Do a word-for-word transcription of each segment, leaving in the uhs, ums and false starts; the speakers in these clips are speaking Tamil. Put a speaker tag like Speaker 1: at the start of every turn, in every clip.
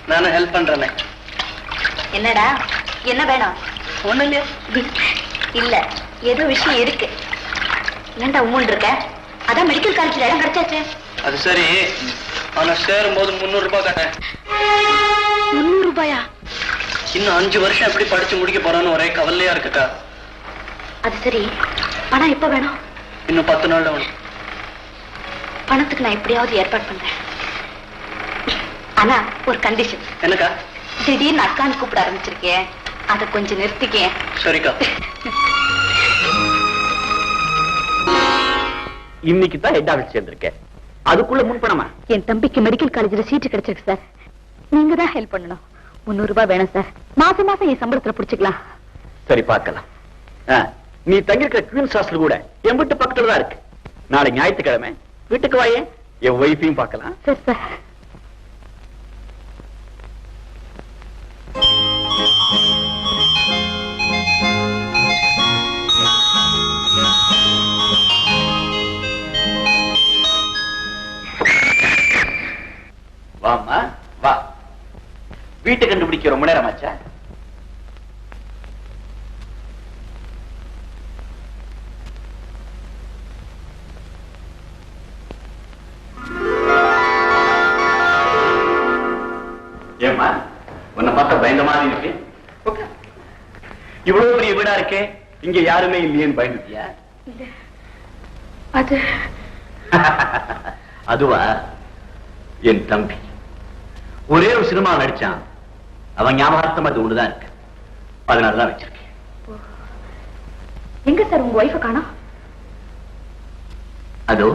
Speaker 1: நானும் ஹெல்ப் பண்றேன்.
Speaker 2: என்னடா என்ன வேணும்?
Speaker 1: ஒண்ணு இல்லையா?
Speaker 2: இல்ல ஏதோ விஷயம் இருக்கு. ஏன்டா உம்முன்னு இருக்க? அதான் மெடிக்கல் காலேஜ்ல இடம் கிடைச்சாச்சு.
Speaker 1: அது சரி, ஆனா சேரும் போது முன்னூறு ரூபாய் கேட்டேன்.
Speaker 2: முன்னூறு ரூபாயா?
Speaker 1: இன்னும் அஞ்சு வருஷம் எப்படி படிச்சு முடிக்க போறான்னு ஒரே கவலையா இருக்குக்கா.
Speaker 2: அது சரி, பணம் எப்ப வேணும்?
Speaker 1: இன்னும் பத்து நாள்ல வேணும்.
Speaker 2: பணத்துக்கு நான் எப்படியாவது ஏற்பாடு பண்றேன். ஆனா ஒரு கண்டிஷன்.
Speaker 1: என்னக்கா?
Speaker 2: திடீர்னு அக்கான்னு கூப்பிட ஆரம்பிச்சிருக்கேன், அதை கொஞ்சம் நிறுத்திக்கேன்.
Speaker 1: சரிக்கா.
Speaker 3: இன்னைக்கு தான் ஹெட் ஆபீஸ் சேர்ந்திருக்கேன். அதுக்குள்ள முன்பணமா?
Speaker 2: என் தம்பிக்கு மெடிக்கல் காலேஜ்ல சீட்டு கிடைச்சிருக்கு சார். நீங்க தான் ஹெல்ப் பண்ணணும். முன்னூறு ரூபாய் வேணும் சார். மாசம் மாசம் என் சம்பளத்துல புடிச்சுக்கலாம்.
Speaker 3: சரி பார்க்கலாம். நீ தங்கிருக்கிற குவீன்ஸ் ஹாஸ்டல் கூட என் வீட்டு பக்கத்துல தான் இருக்கு. நாளை ஞாயிற்றுக்கிழமை வீட்டுக்கு வாயே, என் ஒய்ஃபையும் பார்க்கலாம்.
Speaker 2: சரி சார்.
Speaker 3: வாமா வா. வீட்டை கண்டுபிடிக்க ரொம்ப நேரம் ஆச்சா? ஏமா உன்னை பார்த்தா பயந்த மாதிரி இருக்கு. இவ்வளவு பெரிய வீடா இருக்கே, இங்க யாருமே இல்லையேன்னு பயந்துட்டியா?
Speaker 2: அது
Speaker 3: அதுவா? என் தம்பி ஒரே ஒரு சினிமா நடிச்சான். அவன் ஞாபகார்த்தம் அது ஒண்ணுதான் இருக்கு. அதனாலதான் வச்சிருக்கேன்.
Speaker 2: எங்க சார் உங்க ஒய்ஃபை காணோம்?
Speaker 3: அதோ.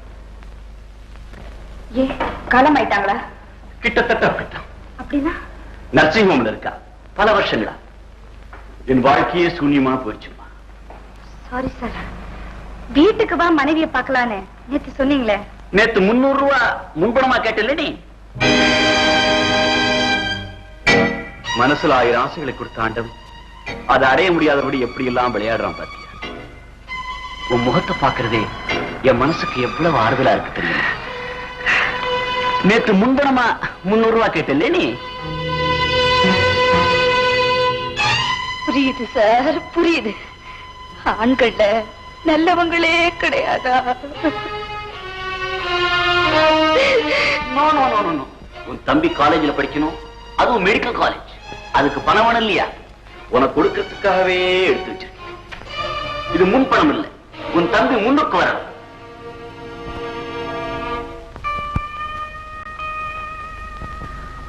Speaker 2: ஏ காலம் ஆயிட்டாங்களா?
Speaker 3: கிட்டத்தட்ட அப்படித்தான்.
Speaker 2: அப்படின்னா
Speaker 3: நர்சிங் ஹோம்ல இருக்கா பல வருஷங்களா. என் வாழ்க்கையே சூன்யமா போயிடுச்சுமா.
Speaker 2: Sorry sir. வீட்டுக்கு வா மனைவியை பார்க்கலான்னு நேத்து சொன்னீங்களே.
Speaker 3: நேத்து முன்னூறு ரூபா முன்பணமா கேட்டல நீ. மனசுல ஆயிரம் ஆசைகளை கொடுத்த ஆண்டவன் அதை அடைய முடியாதபடி எப்படி எல்லாம் விளையாடுறான் பாத்தியா? உன் முகத்தை பாக்குறதே என் மனசுக்கு எவ்வளவு ஆறுதலா இருக்கு தெரியுமா? நேத்து முன்பணமா முன்னூறு ரூபா கேட்டல நீ.
Speaker 2: புரியுது சார், புரியுது. ஆண்கள்ல நல்லவங்களே கிடையாதா?
Speaker 3: உன் தம்பி காலேஜ்ல படிக்கணும், அதுவும் மெடிக்கல் காலேஜ். அதுக்கு பணம் வேணும் இல்லையா? உனக்கு கொடுக்கறதுக்காகவே எடுத்து வச்சிருக்கேன். இது முன் பணம் இல்லை. உன் தம்பி முன்னுக்கு வரணும்.